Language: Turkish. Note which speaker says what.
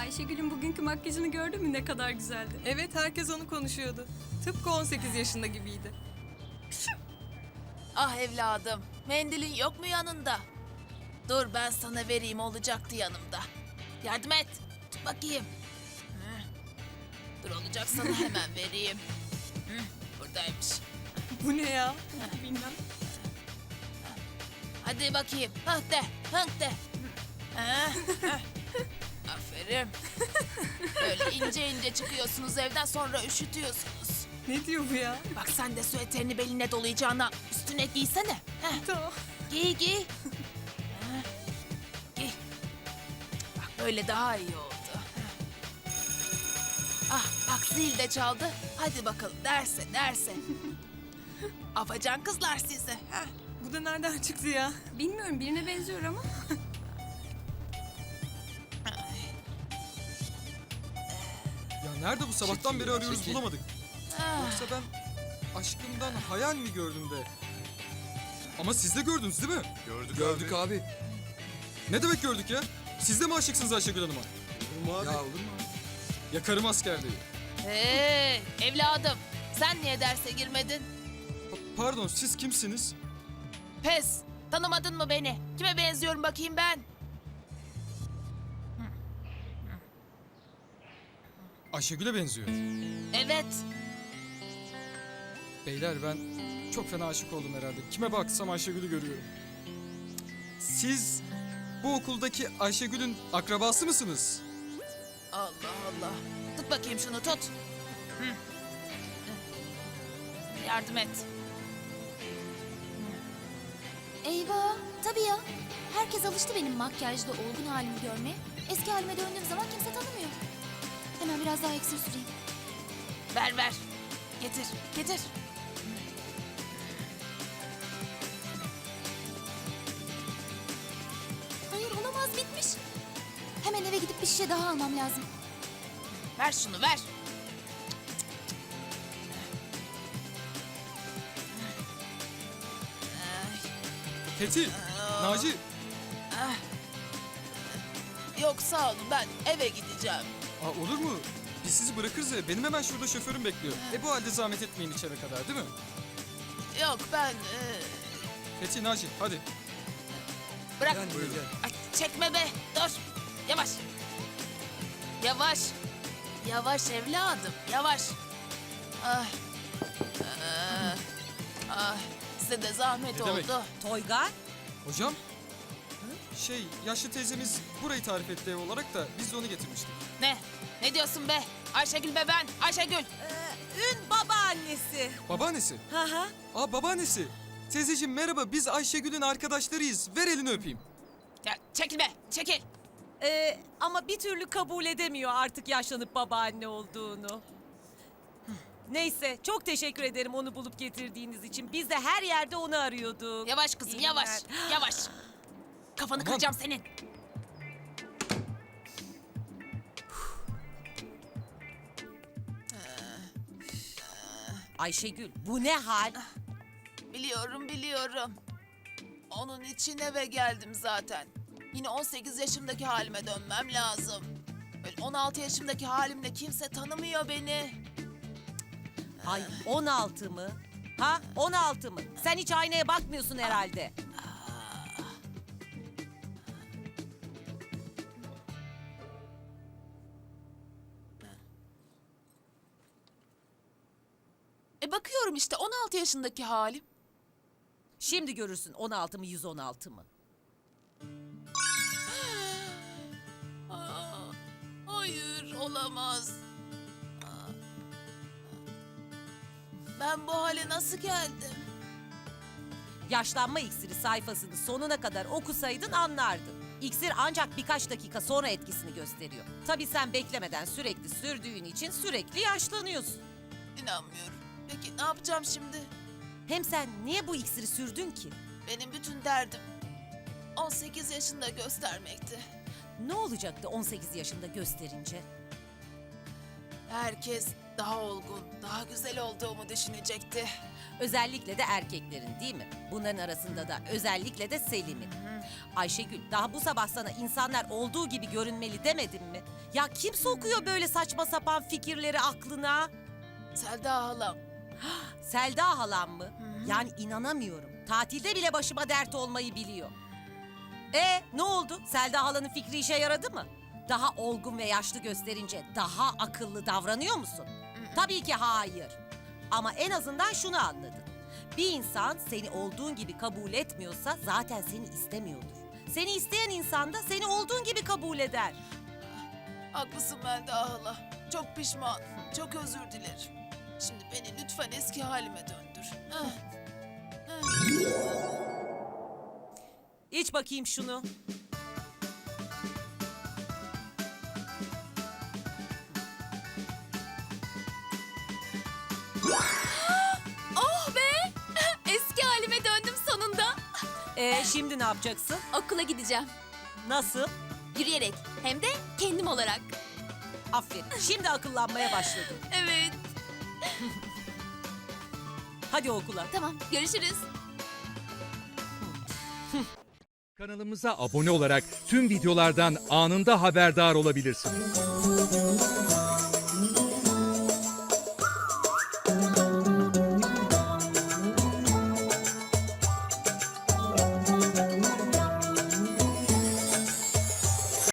Speaker 1: Ayşegül'ün bugünkü makyajını gördün mü, ne kadar güzeldi.
Speaker 2: Evet, herkes onu konuşuyordu. Tıpkı 18 yaşında gibiydi.
Speaker 3: Ah evladım, mendilin yok mu yanında? Dur ben sana vereyim, olacaktı yanımda. Yardım et, tut bakayım. Hı. Dur olacak sana hemen vereyim. Hı, buradaymış.
Speaker 2: Bu ne ya?
Speaker 1: Bilmem.
Speaker 3: Hadi bakayım, hıh de, hıh de. Hah, hah. Aferin. Böyle ince ince çıkıyorsunuz evden, sonra üşütüyorsunuz.
Speaker 2: Ne diyor bu ya?
Speaker 3: Bak sen de süeterini beline dolayacağına üstüne giysene. Heh.
Speaker 2: Tamam.
Speaker 3: Giy giy. Ha, giy. Bak böyle daha iyi oldu. Ah bak zil de çaldı. Hadi bakalım derse derse. Afacan kızlar sizi. Ha.
Speaker 2: Bu da nereden çıktı ya?
Speaker 1: Bilmiyorum, birine benziyor ama.
Speaker 4: Ya nerede bu sabahtan beri arıyoruz bulamadık.
Speaker 3: Ah,
Speaker 4: Yoksa ben aşkımdan hayal mi gördüm de? Ama siz de gördünüz değil mi?
Speaker 5: Gördük abi.
Speaker 4: Ne demek gördük ya? Siz de mi aşıksınız Ayşegül Hanım'a?
Speaker 5: Olur mu abi?
Speaker 4: Ya olur mu abi? Yakarım askerliği.
Speaker 3: hey evladım, sen niye derse girmedin?
Speaker 4: Pardon, siz kimsiniz?
Speaker 3: Pes, tanımadın mı beni? Kime benziyorum bakayım ben?
Speaker 4: Ayşegül'e benziyor.
Speaker 3: Evet.
Speaker 4: Beyler ben çok fena aşık oldum herhalde. Kime baksam Ayşegül'ü görüyorum. Siz bu okuldaki Ayşegül'ün akrabası mısınız?
Speaker 3: Allah Allah. Tut bakayım şunu tut. Hı. Yardım et.
Speaker 6: Eyvah, tabii ya. Herkes alıştı benim makyajlı olgun halimi görmeye. Eski halime döndüğüm zaman kimse tanımıyor. Hemen biraz daha iksir süreyim.
Speaker 3: Ver ver. Getir getir.
Speaker 6: Hayır, olamaz, bitmiş. Hemen eve gidip bir şişe daha almam lazım.
Speaker 3: Ver şunu ver.
Speaker 4: Fethi, Naci.
Speaker 3: Yok sağ olun, ben eve gideceğim.
Speaker 4: Aa, olur mu? Biz sizi bırakırız ya. Benim hemen şurada şoförüm bekliyor. Bu halde zahmet etmeyin içeri kadar değil mi?
Speaker 3: Yok ben...
Speaker 4: Fethi, Naci hadi.
Speaker 3: bırak.
Speaker 5: Gel, gel.
Speaker 3: Ay, çekme be, dur. Yavaş. Yavaş. Yavaş evladım, yavaş. Ah. Ah. Ah. Size de zahmet
Speaker 4: Ne demek?
Speaker 3: oldu.
Speaker 2: Toygar?
Speaker 4: Hocam? Yaşlı teyzemiz burayı tarif etti ev olarak da biz de onu getirmiştik.
Speaker 3: Ne? Ne diyorsun be? Ayşegül be ben, Ayşegül.
Speaker 2: Ün babaannesi.
Speaker 4: Babaannesi.
Speaker 2: Hı hı.
Speaker 4: Aa, babaannesi. Teyzeciğim merhaba, biz Ayşegül'ün arkadaşlarıyız. Ver elini öpeyim.
Speaker 3: Ya çekil be, çekil.
Speaker 2: Ama bir türlü kabul edemiyor artık yaşlanıp babaanne olduğunu. Neyse, çok teşekkür ederim onu bulup getirdiğiniz için. Biz de her yerde onu arıyorduk.
Speaker 3: Yavaş kızım,
Speaker 2: İyi
Speaker 3: yavaş,
Speaker 2: günler.
Speaker 3: yavaş. Kafanı
Speaker 4: Aman.
Speaker 3: kıracağım senin.
Speaker 2: Ayşegül, bu ne hal?
Speaker 3: Biliyorum, biliyorum. Onun için eve geldim zaten. Yine 18 yaşımdaki halime dönmem lazım. Böyle 16 yaşımdaki halimle kimse tanımıyor beni.
Speaker 7: Ay 16 mı? Ha 16 mı? Sen hiç aynaya bakmıyorsun herhalde.
Speaker 3: Bakıyorum işte 16 yaşındaki halim.
Speaker 7: Şimdi görürsün 16 mı 116 mı?
Speaker 3: Aa, hayır, olamaz. Aa. Ben bu hale nasıl geldim?
Speaker 7: Yaşlanma iksiri sayfasını sonuna kadar okusaydın anlardın. İksir ancak birkaç dakika sonra etkisini gösteriyor. Tabii sen beklemeden sürekli sürdüğün için sürekli yaşlanıyorsun.
Speaker 3: İnanmıyorum. Peki ne yapacağım şimdi?
Speaker 7: Hem sen niye bu iksiri sürdün ki?
Speaker 3: Benim bütün derdim 18 yaşında göstermekti.
Speaker 7: Ne olacaktı 18 yaşında gösterince?
Speaker 3: Herkes daha olgun, daha güzel olduğumu düşünecekti.
Speaker 7: Özellikle de erkeklerin değil mi? Bunların arasında da özellikle de Selim'in. Ayşegül, daha bu sabah sana insanlar olduğu gibi görünmeli demedim mi? Ya kim sokuyor böyle saçma sapan fikirleri aklına?
Speaker 3: Selda halam.
Speaker 7: Selda halam mı? Yani inanamıyorum. Tatilde bile başıma dert olmayı biliyor. Ne oldu? Selda halanın fikri işe yaradı mı? Daha olgun ve yaşlı gösterince daha akıllı davranıyor musun? Tabii ki hayır. Ama en azından şunu anladın. Bir insan seni olduğun gibi kabul etmiyorsa zaten seni istemiyordur. Seni isteyen insan da seni olduğun gibi kabul eder.
Speaker 3: Haklısın Melda hala. Çok pişman, çok özür dilerim. Şimdi beni lütfen eski halime döndür.
Speaker 7: İç bakayım şunu.
Speaker 6: Oh be! Eski halime döndüm sonunda.
Speaker 7: Şimdi ne yapacaksın?
Speaker 6: Okula gideceğim.
Speaker 7: Nasıl?
Speaker 6: Yürüyerek. Hem de kendim olarak.
Speaker 7: Aferin. Şimdi akıllanmaya başladın.
Speaker 6: Evet.
Speaker 7: Hadi okula.
Speaker 6: Tamam. Görüşürüz.
Speaker 8: Kanalımıza abone olarak tüm videolardan anında haberdar olabilirsiniz.